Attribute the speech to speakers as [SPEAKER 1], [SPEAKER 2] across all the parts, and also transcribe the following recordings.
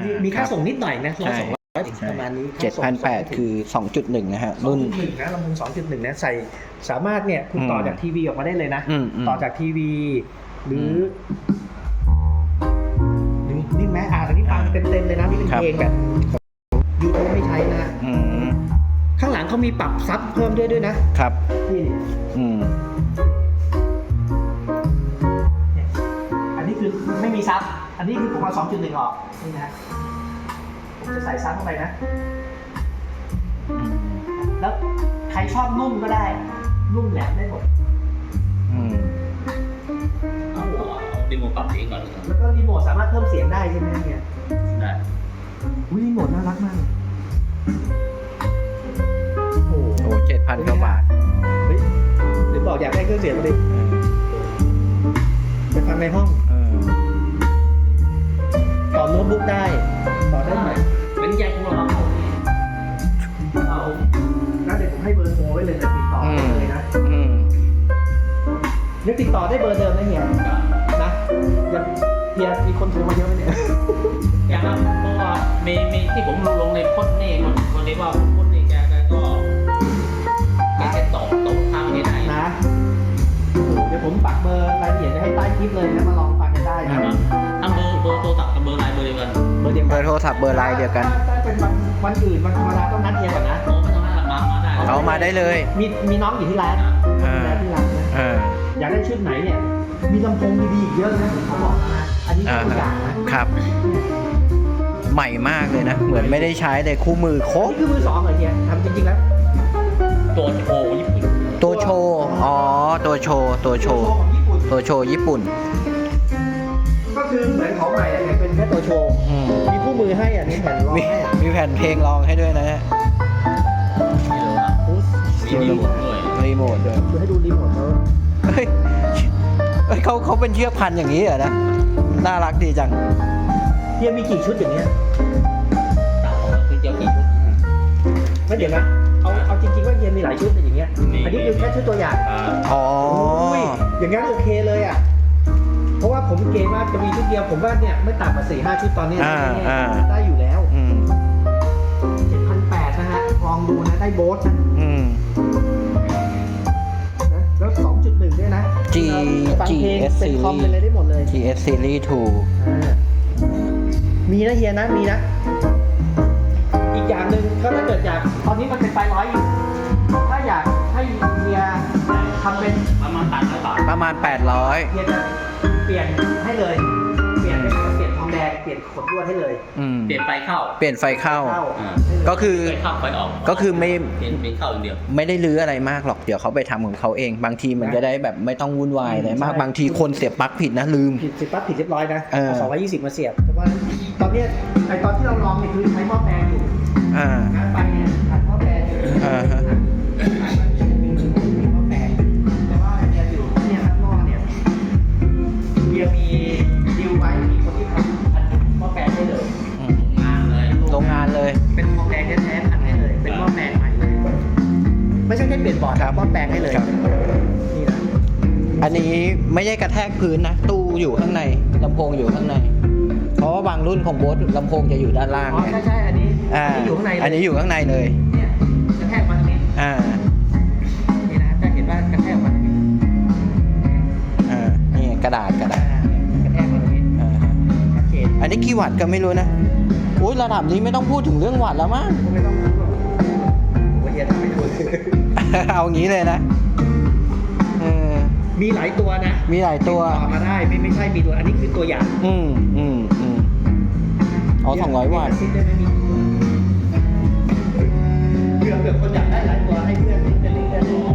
[SPEAKER 1] มีค่าส่งนิดหน่อยนะ100-200ประมาณนี้
[SPEAKER 2] 7,800 คือ 2.1 นะฮะรุ่น
[SPEAKER 1] 2.1 นะลำโพง 2.1 นะใส่สามารถเนี่ยคุณต่อจากทีวีออกมาได้เลยนะต่อจากทีวีหรือนี่แม้อันนี้ฟังเต็มๆเลยนะนี่เป็นเพลงแบบยูทูบไม่ใช้นะข้างหลังเขามีปรับซับเพิ่มด้วยนะครับนี่อันนี้คือไม่มีซับอันนี้คือผมเอา 2.1 ออกนี่นะผมจะใส่ซับเข้าไปนะแล้วใครชอบนุ่มก็ได้นุ่มแหลมได้หมด
[SPEAKER 3] เอารีโมทปรับเสียงก่อนเลย
[SPEAKER 1] แล้วก็รีโมทสามารถเพิ่มเสียงได้ใช่ไหมเนี่ย
[SPEAKER 3] ได้
[SPEAKER 1] รีโมทน่ารักมาก
[SPEAKER 2] โอ้โห 7,000 กว่าบาท
[SPEAKER 1] เฮ้ยเดี๋ยวบอกอยากได้เครื่องเสียงมาดิไปฟังในห้องต่อโน้ตบุ๊กได้ต่อได้ไหม
[SPEAKER 3] เป็นใหญ่ของเรา
[SPEAKER 1] เอาแล้วเดี๋ยวผมให้เบอร์โทรไว้เลยนะติดต่อเลยนะยังติดต่อได้เบอร์เดิมนะเฮียนะเฮียมีคนโทรมาเยอะไหมเนี่ย
[SPEAKER 3] อย่างนั้นเพราะว่ามีที่ผมลงในพ้นนี่คนนี้ว่าพ้นนี่แกก็ตกทางนี้ได้
[SPEAKER 1] นะเดี๋ยวผมปักเบอร์รายละเอียดจะให้ใต้คลิปเลยนะมาลองฟังกันได้นะ
[SPEAKER 3] ทั้งเบอร์โทรศัพท์กับเบอร์ไลน์เบอร์เดียวกัน
[SPEAKER 2] เบอร์โทรศัพท์เบอร์ไลน์เดียวกัน
[SPEAKER 1] ถ้าเป็นวันอื่นวันธรรมดาต้องนัดเฮียก่อนนะ
[SPEAKER 3] โอ้ไม่ต้องนัดมาได้
[SPEAKER 2] เอามาได้เลย
[SPEAKER 1] มีน้องอยู่ที่ร้านที่ร้านนะอยากได้ชุดไหนเนี่ยมีลำโพงดีๆอีกเยอะเลยนะเขาบอกนะอันนี้ตัวอย่างนะครับ
[SPEAKER 2] ใหม่มากเลยนะเหมือนไม่ได้ใช้เลยคู่มือโค้ง
[SPEAKER 1] นี่คือมือ2เหรอเนี่ยทำจริงๆแล้ว
[SPEAKER 3] ตัวโชว์ญี่ปุ่น
[SPEAKER 2] ตัวโชว์อ๋อตัวโชว์ญี่ปุ่น
[SPEAKER 1] ก็คือเหมือนของใหม่เนี่ยเป็นแค่ตัวโชว์มีคู่มือให้อ่ะมีแผ่นรองให้
[SPEAKER 2] มีแผ่นเพลงรองให้ด้วยนะฮะ
[SPEAKER 3] มีรีโมทด้วย
[SPEAKER 1] คือให้ดูรีโมท
[SPEAKER 2] เฮ้ยเขาเป็นเชือกพันอย่างนี้เหรอนะน่ารักดีจัง
[SPEAKER 1] เฮียมีกี่ชุดอย่างเนี้ย
[SPEAKER 3] คือเจ้ากี่ชุด
[SPEAKER 1] ไม่เดี๋ยวนะเอาจริงๆว่าเฮียมีหลายชุดแต่อย่างเงี้ยอันนี้คือแค่ชุดตัวอย่าง
[SPEAKER 2] อ๋อ
[SPEAKER 1] อย่างงั้นโอเคเลยอ่ะเพราะว่าผมเกณฑ์ว่าจะมีชุดเดียวผมว่าเนี่ยไม่ต่ำกว่า 4-5 ชุดตอนนี้ได้อยู่แล้ว 7,800 นะฮะลองดูนะได้โบสนะแล้ว 2.1 ด้วยนะ
[SPEAKER 2] GS
[SPEAKER 1] เป็นคอมเป็นอะไรได้หมดเลย
[SPEAKER 2] GS Series 2
[SPEAKER 1] มีนะเฮียนะมีนะอีกอย่างหนึ่งก็ถ้าเกิดอยากตอนนี้มันเป็นไฟ100อยู่ถ้าอยากให้เฮียทำเป็น
[SPEAKER 3] ประมาณ800 บาท
[SPEAKER 2] ประมาณ800
[SPEAKER 1] เฮียจะเปลี่ยนให้เลยเปลี่ยนทองแดงเปลี่ยนขดลวดให้เลย
[SPEAKER 3] เปลี่ยนไฟเข้า
[SPEAKER 2] ก็คือ
[SPEAKER 3] เข้าไฟออก
[SPEAKER 2] ก็คือไม่
[SPEAKER 3] เปลี่ยนเข้าอย่างเดียว
[SPEAKER 2] ไม่ได้รื้ออะไรมากหรอกเดี๋ยวเขาไปทำของเขาเองบางทีมันจะได้แบบไม่ต้องวุ่นวายเลยมากบางทีคนเสียบปลั๊กผิดนะลืม
[SPEAKER 1] เสียบปลั๊กผิดเรียบร้อยนะ220มาเสียบแต่ว่าตอนนี้ตอนที่เราลองเนี่ยคือใช้หม้อแปลงอยู่งานไปเนี่ยขัดหม้อแปลงอยู่หม้อแปลงแต่ว่าเนี่ยอยู่เนี่ยข้างนอกเนี่ยเบียร์มีดีลไว้มีคนที่ทำขัดหม้อแปลงได้เลย
[SPEAKER 2] โรงงานเลย
[SPEAKER 1] เป็นหม้อแปลงแท้ๆขัดให้เลยเป็นหม้อแปลงใหม่เลยไม่ใช่แค่เปลี่ยนบอร์ดหม้อแปลงให้เลยนี่นะ
[SPEAKER 2] อันนี้ไม่ใช่กระแทกพื้นนะตู้อยู่ข้างในลำโพงอยู่ข้างในเพราะว่าบางรุ่นของโบ๊ทลำโพงจะอยู่ด้านล่าง
[SPEAKER 1] ใช่อันนี้อยู่ข้างใน
[SPEAKER 2] อันนี้อยู่ข้างในเลย
[SPEAKER 1] เนี่ยกระแทกมาตรงนี้นี่นะจะเห็นว่ากระแทกมาตรงนี้
[SPEAKER 2] นี่กระดาษ
[SPEAKER 1] กระแทกมาตรงนี้ชัดเจน
[SPEAKER 2] อันนี้กี่วัตต์ก็ไม่รู้นะอุ้ยระดับนี้ไม่ต้องพูดถึงเรื่องวัตต์แล้วมั้ง
[SPEAKER 1] ไม่ต้องพูดหรอกผมเฮียทำไม่ถูก
[SPEAKER 2] เอางี้เลยนะ
[SPEAKER 1] มีหลายตัวนะ
[SPEAKER 2] มีหลายตัว
[SPEAKER 1] มาได้ไม่ใช่มีตัวอันนี้คือตัวอย่าง
[SPEAKER 2] อ๋อ200 วัตต์
[SPEAKER 1] เผื่อคนอยากได้หลายตัวให้เพื่อนจะลิงก์ได้เลย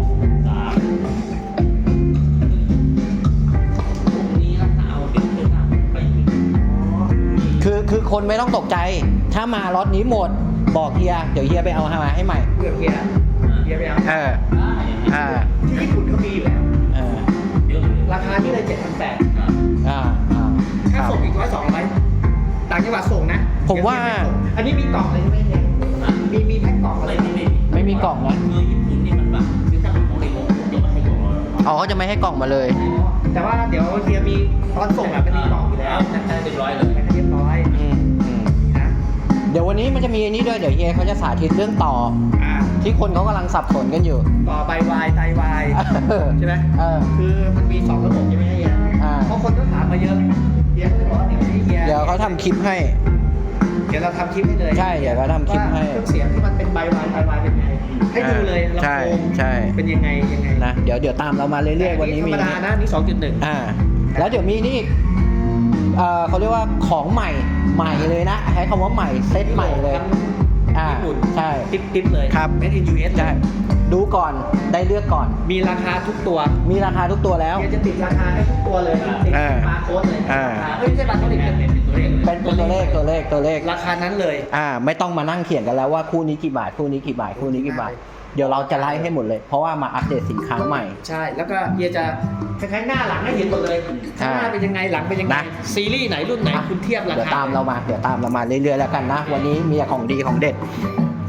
[SPEAKER 2] คือคนไม่ต้องตกใจถ้ามาล็อตนี้หมดบอกเฮียเดี๋ยวเฮียไปเอามาให้ใหม่
[SPEAKER 1] เฮียไปเอาที่ญี่ปุ่นเขามีอยู่แล้วราคาที่เลย 7,800 ค่าส่งอีก100-200ต่างจังหวัดส่งนะ
[SPEAKER 2] ผมว่า
[SPEAKER 1] อันนี้มีกล่องเลยใช่ไหมเนี่ยมีแพ็คกล่องอะไร
[SPEAKER 2] ไม่มีกล่องนะ
[SPEAKER 3] ญี่ปุ่นนี่มันแบบคือถ้าเป็นของในโรงจะไม่ให้กล่อง
[SPEAKER 2] เขาจะไม่ให้กล่องมาเลย
[SPEAKER 1] แต่ว่าเดี๋ยวเฮียมีตอนส่งเป็นมีกล่องอยู่แล้ว
[SPEAKER 3] แพ็คเรียบร้อยเลย
[SPEAKER 1] แพ็คเรียบร้อยนะ
[SPEAKER 2] นี้มันจะมีอันนี้ด้วยเดี๋ยวเฮียเขาจะสาธิตเรื่องต่อ ที่คนเขากำลังสับสนกันอยู่
[SPEAKER 1] ต่อใบวายไตวายใช่ไหม คือมันมี2ระบบใช่ไหมเฮียเพราะคนก็ถามมาเยอะเฮียก็เลยบอกว่าอย่างนี้เฮีย
[SPEAKER 2] เดี๋ยวเขาทำคลิปให้
[SPEAKER 1] เดี๋ยวเราทำคลิปให้เลย
[SPEAKER 2] ใช่เดี๋ยวเขาทำคลิปให้
[SPEAKER 1] ว่าเครื่องเสียงที่มันเป็นใบวายไตวายเป็นไงให้ดูเลยลำ
[SPEAKER 2] ใช่
[SPEAKER 1] โพง
[SPEAKER 2] ใช่
[SPEAKER 1] เป็นยังไง
[SPEAKER 2] นะเดี๋ยวตามเรามาเรื่อยๆวันนี้
[SPEAKER 1] ธร
[SPEAKER 2] มี
[SPEAKER 1] รมดานะนี่ 2.1
[SPEAKER 2] แล้วเดี๋ยวมีนี่อีกเขาเรียกว่าของใหม่เลยนะใช้คำว่าใหม่เซตใหม่เลย
[SPEAKER 1] ญี่ปุ่น
[SPEAKER 2] ใช่
[SPEAKER 1] ติ๊บเลย
[SPEAKER 2] ครับ
[SPEAKER 1] Made in US
[SPEAKER 2] ใช่ดูก่อนได้เลือกก่อน
[SPEAKER 1] มีราคาทุกตัว
[SPEAKER 2] มีราคาทุกตัวแล้ว
[SPEAKER 1] เฮียจะติดราคาให้ทุกตัวเลยติดบาร์โค้ดเลยไม่ใช่บาร์โค้ดติดเป็นตัวเลข
[SPEAKER 2] เป็นตัวเลข
[SPEAKER 1] ราคานั้นเลย
[SPEAKER 2] ไม่ต้องมานั่งเขียนกันแล้วว่าคู่นี้กี่บาทคู่นี้กี่บาทคู่นี้กี่บาทเดี๋ยวเราจะไล่ให้หมดเลย เพราะว่ามาอัปเดตสินค้าใหม่
[SPEAKER 1] ใช่ แล้วก็เฮียจะคล้ายๆหน้าหลังให้เห็นหมดเลยข้างหน้าเป็นยังไงหลังเป็นยังไง
[SPEAKER 2] นะ
[SPEAKER 1] ซีรีส์ไหนรุ่นไหนคุณเทียบรา
[SPEAKER 2] เดี๋ยว
[SPEAKER 1] คา
[SPEAKER 2] ตามเรามาเรื่อยๆแล้วกันนะ วันนี้มีแต่ของดีของเด็ด